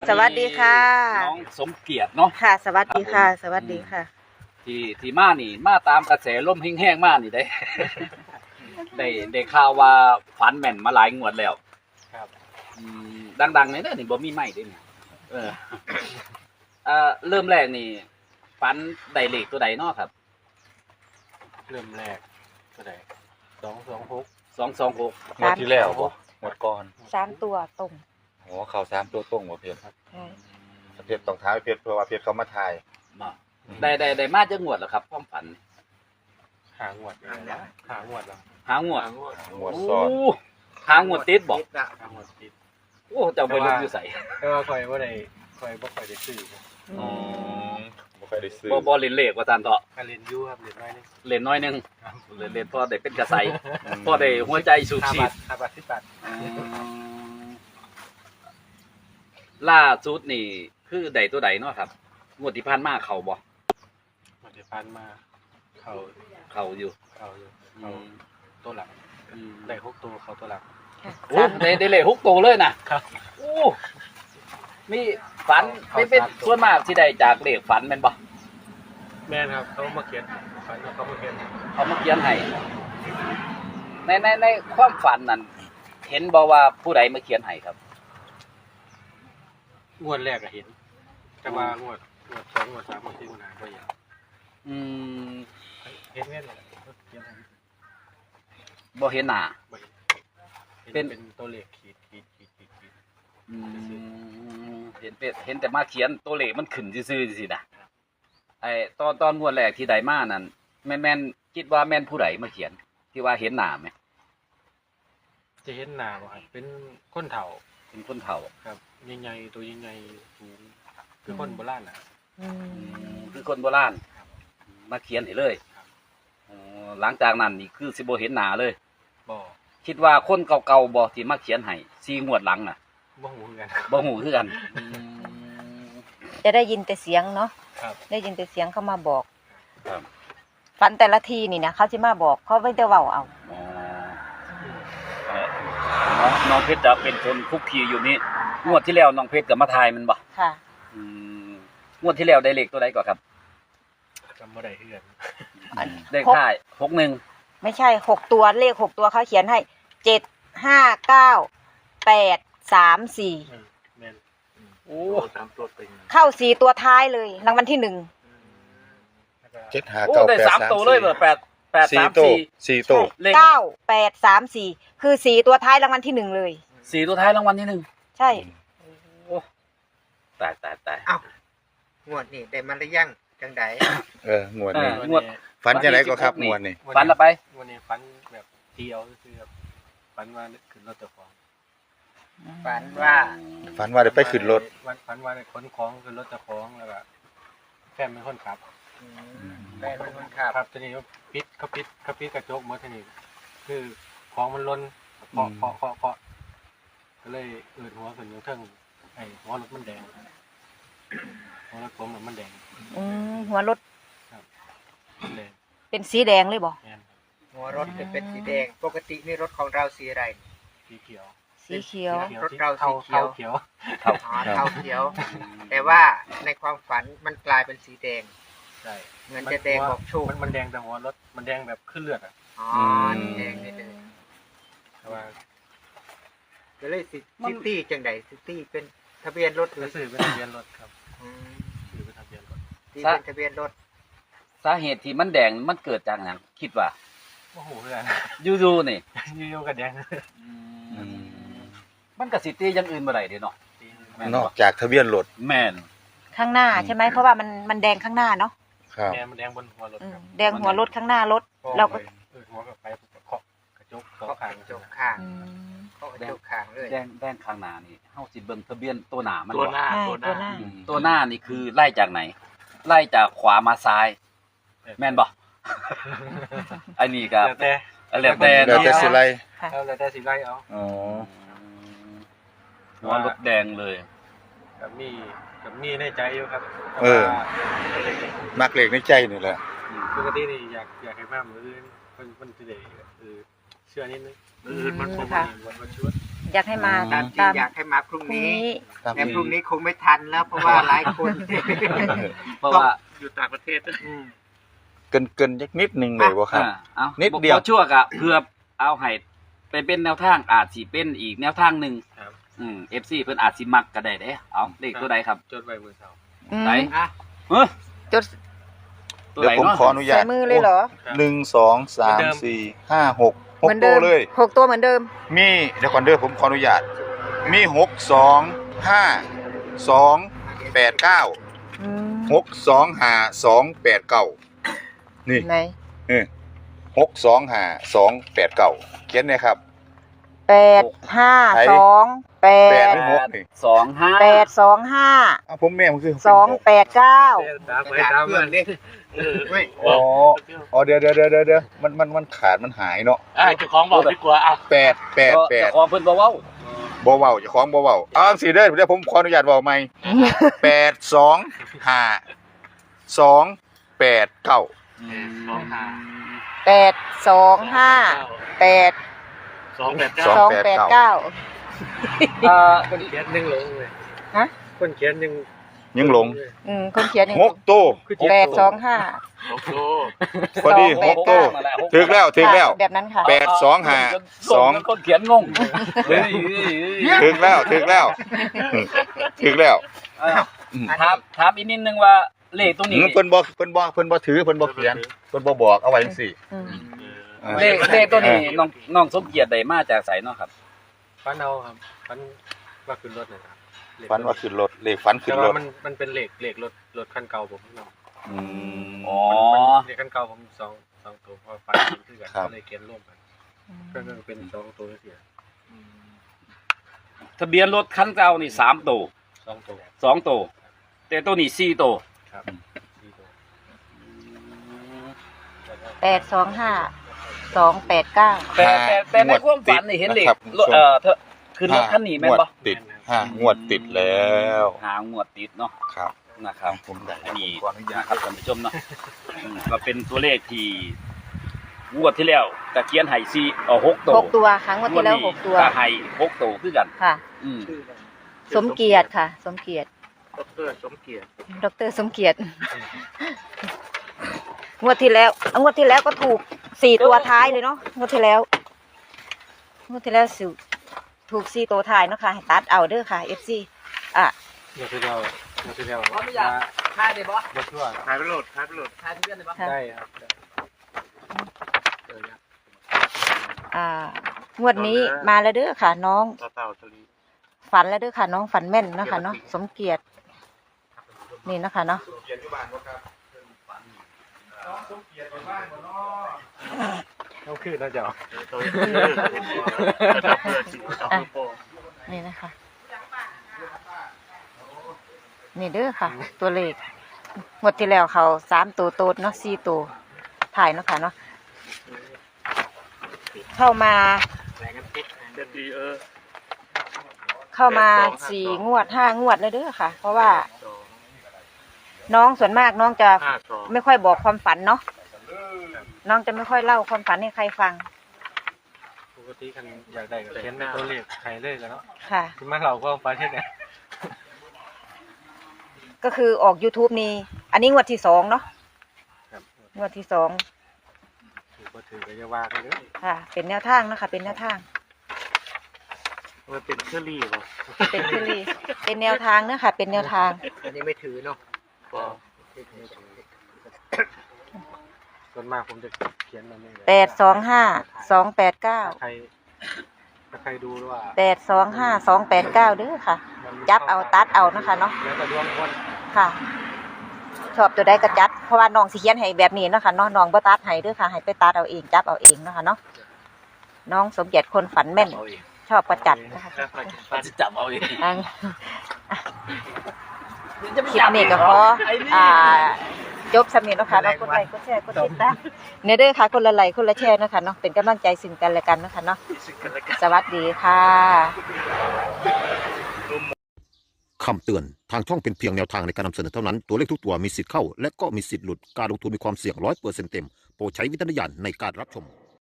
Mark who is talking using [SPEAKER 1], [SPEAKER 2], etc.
[SPEAKER 1] สวัสดีค่ะ
[SPEAKER 2] น้องสมเกียรติเนาะ
[SPEAKER 1] ค่ะสวัสดีค่ะสวัสดีค่ะ
[SPEAKER 2] ที่มานี่มาตามกระแสลมแห้งๆมานี่ได้ ได้ข่าวว่าฝันแม่นมาหลายงวดแล้ว
[SPEAKER 3] ครับ
[SPEAKER 2] ดังๆนี่บ่มีไม้เด้เนี่ยเออเริ่มแรกนี่ฝันได้เลขตัวใดเนาะครับ
[SPEAKER 3] เริ่มแรกก็ได้226
[SPEAKER 2] 226
[SPEAKER 4] งวดที่แล้วบ่งวดก่อน
[SPEAKER 1] 3 ตัวตรง
[SPEAKER 4] โอ้เขา3ตัวตรงบ่เพชร
[SPEAKER 1] ใช่
[SPEAKER 4] เพชรต้องท้ายเพชรเพราะว่าเพชรเขามาถ่าย
[SPEAKER 2] มาได้มาจักงวดแล้วครับความฝัน
[SPEAKER 3] หางวดเลยนะหางวดแล้ว
[SPEAKER 2] หางวด
[SPEAKER 4] งวดซ้อน
[SPEAKER 2] โหางวดติดบ่
[SPEAKER 3] หางวดติด
[SPEAKER 2] โอ้เจ้าไปลงอยู่ไส
[SPEAKER 3] แต่ว่าคอยบ่ได้ซื้อ
[SPEAKER 2] อ๋อ
[SPEAKER 4] บ่ค่อยได้ซื้อ
[SPEAKER 2] บ่เล่นเลขว่าซั่นเถาะ
[SPEAKER 3] การเรียนอยู่ครับเรียนน้อยนึง
[SPEAKER 2] เล่นน้อยหนึง
[SPEAKER 3] ครับ
[SPEAKER 2] เล่นพอได้เป็นกระใสพอได้หัวใจสูบฉีด
[SPEAKER 3] 5 บาท10 บาท
[SPEAKER 2] ล่าสุดนี่คือใดตัวใดเนาะครับงวดที่ผ่านมาเขาบ่
[SPEAKER 3] มันจะพันมาเขา
[SPEAKER 2] เขาอยู่
[SPEAKER 3] เขาตัวหลังได้6ตัวเขาตัวหลัง
[SPEAKER 2] โอ้ได้เลข6ตัวเลยนะครับ โอ้มีฝันเป็นส่วนมากที่ได้จากเลขฝันแม่นบ่
[SPEAKER 3] แม่นครับเขามาเขียนฝันว่าเขามาเขียน
[SPEAKER 2] เขามาเขียนให้ในความฝันนั้นเห็นบ่ว่าผู้ใดมาเขียนให้ครับ
[SPEAKER 3] งวดแรกก็เห็นแต่ว่างวด2งวด3งวด4งวด5บ่เห็น
[SPEAKER 2] อืม
[SPEAKER 3] เห็นแม่นเลยเขียนให้
[SPEAKER 2] บ่เห็นหน้า
[SPEAKER 3] บ่เห็น
[SPEAKER 2] เป็น
[SPEAKER 3] เป็นตัวเลขขีด
[SPEAKER 2] อืมเห็นแต่มาเขียนตัวเลขมันขึ้นซื่อๆสินะไอ้ตอนงวดแรกที่ได้มานั่นแม่นคิดว่าแม่นผู้ใดมาเขียนที่ว่าเห็นหน้าไหม
[SPEAKER 3] จะเห็นหน้าบ่ครับเป็นคนเฒ่า
[SPEAKER 2] เป็นคนเฒ่า
[SPEAKER 3] ครับใหญ่ๆตัวใหญ่ๆสูงคือคนโบราณน่ะ
[SPEAKER 1] อืม
[SPEAKER 2] คือคนโบราณมาเขียนให้เลยอ๋อหลังจากนั้นนี่คือสิบ่เห็นหน้าเลย
[SPEAKER 3] บ่
[SPEAKER 2] คิดว่าคนเก่าๆบ่ที่มาเขียนให้4งวดหลังน่ะ
[SPEAKER 3] บ่ฮู้คือกัน
[SPEAKER 2] บ่ฮู้คือกัน
[SPEAKER 1] จะได้ยินแต่เสียงเนาะ
[SPEAKER 3] ครับ
[SPEAKER 1] ได้ยินแต่เสียงเขามาบอก
[SPEAKER 2] ครับ
[SPEAKER 1] ฝันแต่ละทีนี่นะเขาจะมาบอกเขาไม่ได้เว้าเอา
[SPEAKER 2] อ๋อน้องเพชรจะเป็นคนคุกคีอยู่นี่งวดที่แล้วน้องเพชรก็มาทายมันบ่
[SPEAKER 1] ค่ะ
[SPEAKER 2] อืมงวดที่แล้วได้เลขตัวใดก่อนครับ
[SPEAKER 3] จำบ่ได้คือกัน
[SPEAKER 1] อัน
[SPEAKER 2] เลขท้าย61
[SPEAKER 1] ไม่ใช่6 ตัวเลข6 ตัวเขาเขียนให้7 5 9 8 3 4
[SPEAKER 3] แม่น
[SPEAKER 2] โอ้
[SPEAKER 3] ตามตัวเป็น
[SPEAKER 1] เข้า4 ตัวท้ายเลยรางวัลที่1
[SPEAKER 3] แล้วก็
[SPEAKER 4] 7 5
[SPEAKER 2] โอ้
[SPEAKER 4] 9
[SPEAKER 2] ได้
[SPEAKER 4] 8
[SPEAKER 2] 3ตัวเลยเบอร์8
[SPEAKER 4] 4
[SPEAKER 2] 3
[SPEAKER 4] ตัว
[SPEAKER 2] 4
[SPEAKER 4] 4ตัว
[SPEAKER 2] เลข
[SPEAKER 1] 9 8 3 4คือ4 ตัวท้ายรางวัลที่1เลย
[SPEAKER 2] 4ตัวท้ายรางวัลที่1
[SPEAKER 1] ใช่
[SPEAKER 2] โอ้ตาย
[SPEAKER 5] อ้าวงวดนี่ได้มาหรือยังจังได
[SPEAKER 4] งวดนี้
[SPEAKER 2] งวด
[SPEAKER 4] ฝันจังไดก็ครับงวดนี้
[SPEAKER 2] ฝันละไป
[SPEAKER 3] วันนี้ฝันแบบเดียวคือแบบฝันว่าขึ้นรถเจ้าของ
[SPEAKER 5] ฝันว่า
[SPEAKER 4] ฝันว่าได้ไปขึ้นรถ
[SPEAKER 3] ฝันว่าได้ขนของขึ้นรถเจ้าของแล้วก็แฟนเป็นคนขับ
[SPEAKER 5] แฟนเป็นคนขับ
[SPEAKER 3] ครับทีนี้เขาปิดกระจกหมดทีนี้คือของมันล้นเคาะก็เลยหัวขึ้นอยู่เทิงไอ้หัวรถมันแดงหัวรถผมมันแดง
[SPEAKER 1] หัวรถ
[SPEAKER 3] มันแดง
[SPEAKER 1] เป็นสีแดงเลยบ่
[SPEAKER 3] แม่น
[SPEAKER 5] หัวรถจะเป็นสีแดง ปกตินี่รถของเราสีอะไร
[SPEAKER 3] สีเขียว
[SPEAKER 1] สีเขียว
[SPEAKER 5] รถเราสีเขียว
[SPEAKER 3] เขียว
[SPEAKER 2] ครับ
[SPEAKER 5] อ๋อเทาเขียว แต่ว่าในความฝันมันกลายเป็นสีแดง
[SPEAKER 3] ใช่
[SPEAKER 5] เหมือนจะแดงบอกโชค
[SPEAKER 3] มันแดงแต่หัวรถมันแดงแบบขึ้นเลือดอ่ะ
[SPEAKER 5] อ๋อแดงนี่เลย
[SPEAKER 3] แต่ว่า
[SPEAKER 5] ก็เลยซิตี้จังไดซิตี้เป็นทะเบียนรถหรือ
[SPEAKER 3] ซื้อเป็นทะเบียนรถครับ
[SPEAKER 5] อืม
[SPEAKER 3] ซื้อเป็นทะเบียนรถ
[SPEAKER 5] ตีเป็นทะเบียนรถ
[SPEAKER 2] สาเหตุที่มันแดงมันเกิดจากหยังคิดว่า
[SPEAKER 3] โอ้โหเพื่อน
[SPEAKER 2] อยู่ๆนี่
[SPEAKER 3] อยู่ๆกับแดง
[SPEAKER 2] มันก็สิตีอย่างอื่นบ่ได้เด้เนาะแม่น
[SPEAKER 4] นอ
[SPEAKER 2] บ่
[SPEAKER 4] กจากทะเบียนรถ
[SPEAKER 2] แม่น
[SPEAKER 1] ข้างหน้าใช่ไหมเพราะว่ามันแดงข้างหน้าเนาะ
[SPEAKER 4] ครับ
[SPEAKER 3] แดงมันแดงบนหัวรถครับ
[SPEAKER 1] แดงหัวรถข้างหน้ารถเราก็
[SPEAKER 3] หัวกับไปเคาะกระจกสอง
[SPEAKER 5] เขา
[SPEAKER 3] ข้าง
[SPEAKER 5] กระจกข้าง
[SPEAKER 1] อืม
[SPEAKER 5] เขากระจกข้างเลย
[SPEAKER 2] แดงข้างหน้านี่เฮาสิเบิ่งทะเบียนตัวหน้ามัน
[SPEAKER 3] ตัว
[SPEAKER 2] บ่
[SPEAKER 3] หน้า
[SPEAKER 1] ใช่
[SPEAKER 3] ตัวหน้า
[SPEAKER 1] ตัวหน้า
[SPEAKER 2] ตัวหน้านี่คือไล่จากไหน ไล่จากขวามาซ้าย แม่นบ่ อันนี้ก็
[SPEAKER 3] แล้วแต่
[SPEAKER 2] แล้วแต่
[SPEAKER 4] แล้ว
[SPEAKER 2] เนาะ
[SPEAKER 4] แต่สิไล
[SPEAKER 1] ค่ะ
[SPEAKER 3] แล้วแต่สิไล่เอา
[SPEAKER 4] อ๋อ
[SPEAKER 2] หัวรถแดงเลย
[SPEAKER 3] กับมีในใจอยู่ครับ
[SPEAKER 4] มักเลขในใจนี่แหละ
[SPEAKER 3] ปกตินี่อยากให้มากมืออื่นมันจะได้เชื่อนิดนึงมันประมาณวันชวด
[SPEAKER 1] ออยากให้มา
[SPEAKER 5] ตามที่อยากให้มาพรุ่ง
[SPEAKER 1] พรุ่ง
[SPEAKER 5] นี้
[SPEAKER 1] นี้
[SPEAKER 4] ครับ
[SPEAKER 5] แต่พรุ่งนี้คงไม่ทันแล้วเพราะว่าหลายคน
[SPEAKER 2] เพราะว่า
[SPEAKER 5] อยู่ต่างประเทศ
[SPEAKER 4] เกินยักนิดนึงเลยบ่ครับ
[SPEAKER 2] เอา
[SPEAKER 4] นิดเดียว
[SPEAKER 2] บ่ชั่วกะเพื่อเอาให้ไปเป็นแนวทางอาจสิเป็นอีกแนวทางหนึ่ง
[SPEAKER 3] ครับ
[SPEAKER 2] FC เพิ่นอาจสิมักก็ได้เด้เอาเลขตัวใดครับ
[SPEAKER 3] จดไว้มือเสา
[SPEAKER 1] อืม
[SPEAKER 2] ไหน
[SPEAKER 5] อ่ะ
[SPEAKER 2] เฮ้ย
[SPEAKER 1] จด
[SPEAKER 2] ตัว
[SPEAKER 4] เดี๋ย
[SPEAKER 2] ไหน
[SPEAKER 4] วผม
[SPEAKER 2] เนาะ
[SPEAKER 4] ขออนุญา
[SPEAKER 1] ใส่
[SPEAKER 4] ต
[SPEAKER 1] มือเลยเหรอ
[SPEAKER 4] หนึ่งสองสามสี่ห้าหก
[SPEAKER 1] เหมือนเดิ
[SPEAKER 4] ตัว
[SPEAKER 1] ม
[SPEAKER 4] เลย
[SPEAKER 1] 6 ตัวเหมือนเดิม
[SPEAKER 4] มีเดี๋ยวก่อนเด้อผมขออนุญาต มี625 289
[SPEAKER 1] อืม
[SPEAKER 4] 625 289นี่
[SPEAKER 1] ไหน
[SPEAKER 4] 625 289เขียนเนี่ยครับ
[SPEAKER 1] 8 5 2
[SPEAKER 4] 8
[SPEAKER 1] 8
[SPEAKER 4] หรือ6นี่
[SPEAKER 2] 25
[SPEAKER 1] 8 2 5
[SPEAKER 4] อ้าวผมแม่มันคือ
[SPEAKER 1] 2 8 9
[SPEAKER 3] ตามไป
[SPEAKER 5] กระดาษ
[SPEAKER 3] ตาม
[SPEAKER 5] เพื่
[SPEAKER 3] มั
[SPEAKER 5] อน
[SPEAKER 3] น
[SPEAKER 5] ดิเว้ย
[SPEAKER 4] อ๋อเดี๋ยวมันขาดมันหายเนาะ
[SPEAKER 3] เจ้าของบอกดีกว่าอ่ะ
[SPEAKER 4] 8
[SPEAKER 2] เจ้าของเพิ่นบ่เว้า
[SPEAKER 4] บ่เว้าเจ้าของบ่เว้าเอาจังซี่เด้อเดี๋ยวผมขออนุญาตเว้าใหม่825 289
[SPEAKER 1] 8 2 5 8 2 8 9
[SPEAKER 3] คนเขียนหนึ่งหลงเลย
[SPEAKER 1] ฮะ
[SPEAKER 3] คนเขียนหนึ่ง
[SPEAKER 4] ยังหลง
[SPEAKER 1] คนเขียนนี่
[SPEAKER 4] 6ตัว
[SPEAKER 1] 8 2 5
[SPEAKER 3] โอ้โห
[SPEAKER 4] พอดี6ตัวถึกแล้ว
[SPEAKER 1] แบบนั้นค่ะ
[SPEAKER 4] 8 2 5 2
[SPEAKER 2] คนเขียนงงเฮ้ย
[SPEAKER 4] ถึกแล้วถึกแล้ว
[SPEAKER 2] ถามอีกนิดนึงว่าเลขตรงนี้
[SPEAKER 4] เพิ่นบ่ถือเพิ่นบ่เขียนเพิ่นบ่บอกเอาไว้จังซี่
[SPEAKER 1] อืม
[SPEAKER 2] เลขตัวนี้น้องสมเกียรติได้มาจากไสเนาะครับ
[SPEAKER 3] ฟันเอาครับฟันว่าขึ้นรถนะครับ
[SPEAKER 4] ฝันว่าขึ้นรถเลขฝันขึ้
[SPEAKER 3] แต่
[SPEAKER 4] นร
[SPEAKER 3] ว่า
[SPEAKER 4] ถ
[SPEAKER 3] มันเป็นเหล็กรถคันเก่าผมเนาะ
[SPEAKER 4] อืม
[SPEAKER 2] อ๋อ
[SPEAKER 3] เหล็กคันเก่าผมสองตัวพอฟันขึ้นกัน
[SPEAKER 4] ครับ
[SPEAKER 3] ก็เลยเขียนร่วมกันก็เป็น2 ตัวเสีย
[SPEAKER 2] ทะเบียนรถคันเก่านี่3ตัว
[SPEAKER 3] 2 ตัว
[SPEAKER 2] 2ตัวแต่ตัวนี้4ตัว
[SPEAKER 3] ครับ4 ตัว
[SPEAKER 1] 8 2 5 2 8 9
[SPEAKER 2] แต่ในความฝันนี่เห็นเลขเธอขึ้นรถคันนี้แม่นบ่
[SPEAKER 4] ติด5งวดติดแล้ว
[SPEAKER 2] หางวดติดเนาะ
[SPEAKER 4] ครับ
[SPEAKER 2] นะครับ
[SPEAKER 4] ผมได้
[SPEAKER 2] อันนี้
[SPEAKER 4] ขออนุญาต
[SPEAKER 2] นะครับท่านผู้ชมเนาะก็เป็นตัวเลขที่งวดที่แล้วตะเกียนไห่6ตัว
[SPEAKER 1] 6 ตัวครั้งวันที่แล้ว 6 ตัว
[SPEAKER 2] ก็ไห่6ตัวคือกัน
[SPEAKER 1] ค่ะ
[SPEAKER 2] อืม
[SPEAKER 1] สมเกียรติค่ะ สมเกียรติ
[SPEAKER 5] ดรสมเกียรติ
[SPEAKER 1] ดรสมเกียรติงวดที่แล้วก็ถูก4 ตัวท้ายเลยเนาะงวดที่แล้วถูก4 ตัวท้ายเนาะค่ะให้ตัดเอาเด้อค่ะ FC อ่ะ
[SPEAKER 3] เดี๋ยวเดียว
[SPEAKER 2] ขออนุญาตถ่ายได้บ่
[SPEAKER 3] รถทั่ว
[SPEAKER 5] ถ่ายไปโหลด
[SPEAKER 2] ถ่ายทะเบียนได้บ่
[SPEAKER 1] ค่ะ
[SPEAKER 3] ได้ครับ
[SPEAKER 1] งวดนี้มาแล้วเด้อค่ะ น้อง
[SPEAKER 5] เต่าทะเล
[SPEAKER 1] ฝันแล้วเด้อค่ะ น้องฝันแม่นเนาะค่ะเนาะสมเกียรตินี่เนาะค่ะเนาะ
[SPEAKER 3] ต้องขึ้นนะเจ้า
[SPEAKER 1] อ่ะนี่นะคะนี่เด้อค่ะ ตัวเลขงวดที่แล้วเขา3 ตัวโตดเนาะ4 ตัวถ่ายเนาะค่ะเนาะเข้ามา4 งวด 5 งวดเลยเด้อค่ะ เพราะว่า น้องส่วนมากน้องจะไม่ค่อยบอกความฝันเนาะน้องจะไม่ค่อยเล่าความฝันให้ใครฟัง
[SPEAKER 3] ปกติกันอยากได้ก็เขียนเป็นตัวเลขไทยเลยกันเนาะ
[SPEAKER 1] ค่ะ
[SPEAKER 3] คุณมาเราก็ประเทศเนี่ย
[SPEAKER 1] ก็คือออก YouTube นี่อันนี้งวดที่2เนาะ
[SPEAKER 3] ครับ
[SPEAKER 1] งวดที่2
[SPEAKER 3] ถือก็ถือก็จะว่ากันเด้อ
[SPEAKER 1] ค่ะ เป็นแนวทางนะคะเป็นแนวทาง
[SPEAKER 5] มันเป็นเครื่องรีบ
[SPEAKER 1] เป็นคือรีเป็นแนวทางเนอะค่ะ เป็นแนวทาง
[SPEAKER 5] อันนี้ไม่ถือเนาะ
[SPEAKER 3] ส่วนมากผมจะเขียนมันนี่
[SPEAKER 1] 825 289
[SPEAKER 3] ถ้าใครดูว่า
[SPEAKER 1] 825 289เด้อค่ะ จับเอาตัดเอานะคะเนาะ
[SPEAKER 3] แล้วก็ดวงคน
[SPEAKER 1] ค่ะ ชอบตัวใดก็จัดเพราะว่าน้องสิเขียนให้แบบนี้เนาะค่ะเนาะน้องบ่ตัดให้เด้อค่ะให้ไปตัดเอาเองจับเอาเองเนาะค่ะเนาะน้องสมเกียรติคนฝันแม่น ชอบก็จัดนะคะ
[SPEAKER 2] จะจับเอาเอง
[SPEAKER 1] อันคลิปนี้ก็ขอจบสำเนียงเนาะค่ะเนาะกดไลค์กดแชร์กดติดตามเนี่ยเด้อค่ะคนละไลค์คนละแชร์เนาะค่ะเนาะเป็นกำลังใจซึ่งกันและกันเนาะค่ะเนาะสวัสดีค่ะ
[SPEAKER 6] คำเตือน ทางช่องเป็นเพียงแนวทางในการนำเสนอเท่านั้น ตัวเลขทุกตัวมีสิทธิ์เข้า และก็มีสิทธิ์หลุด การลงทุนมีความเสี่ยง100%เต็ม โปรดใช้วิจารณญาณในการรับชม